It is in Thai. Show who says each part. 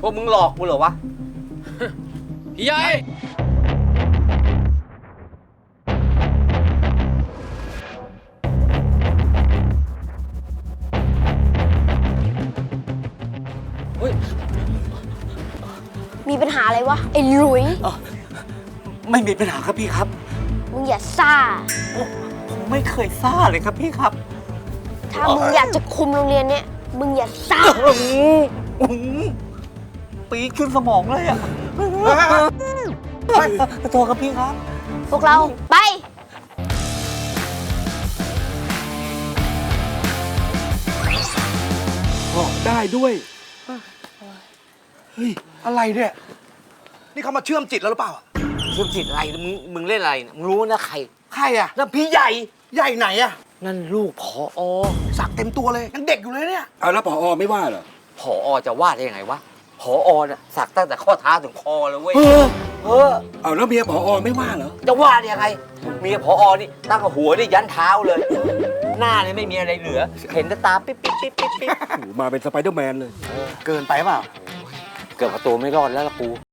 Speaker 1: ว่ามึงหลอกกูเหรอวะ
Speaker 2: พี่ใหญ่เฮ้ย
Speaker 3: มีปัญหาอะไรวะ ไอ้หลุย
Speaker 1: ไม่มีปัญหาครับพี่ครับ
Speaker 3: มึงอย่าซ่า
Speaker 1: ผมไม่เคยซ่าเลยครับพี่ครับ
Speaker 3: ถ้ามึงอยากจะคุมโรงเรียนเนี่ย มึงอย่าซ่า
Speaker 1: ปีดขึ้นสมองเลยอ่ะขอโทษครับพี่ครับ
Speaker 3: พวกเราไป
Speaker 4: ได้ด้วย
Speaker 5: เฮ้ย อะไรเนี่ย นี่เขามาเชื่อมจิตแล้วหรือเปล่า
Speaker 1: เชื่อมจิตอะไรมึงเล่นอะไรเนี่ยมึงรู้นะใคร
Speaker 5: ใครอะ
Speaker 1: นั่นพี่ใหญ่
Speaker 5: ใหญ่ไหนอะ
Speaker 1: นั่นลูกผอ
Speaker 5: สักเต็มตัวเลย ยังเด็กอยู่เลยเนี่ย
Speaker 4: เอาแล้วผอไม่ว่าเหรอ
Speaker 1: ผอจะว่าได้ยังไงวะผอน่ะสักตั้งแต่ข้อเท้าถึงคอเลยเว้ย
Speaker 4: เอาแล้วเมียผอไม่ว่าเหรอ
Speaker 1: จะว่าได้ยังไงเมียผอนี่ตั้งแต่หัวนี่ยันเท้าเลย หน้านี่ไม่มีอะไรเหลือ เห็นแต่ตาปิ๊บปิ๊บปิ๊บปิ๊บปิ๊บ
Speaker 4: โอ้โหมาเป็นสไปเดอร์แมนเลย
Speaker 5: เกินไปเปล่า
Speaker 1: เกือบประตูไม่รอดแล้วล่ะกู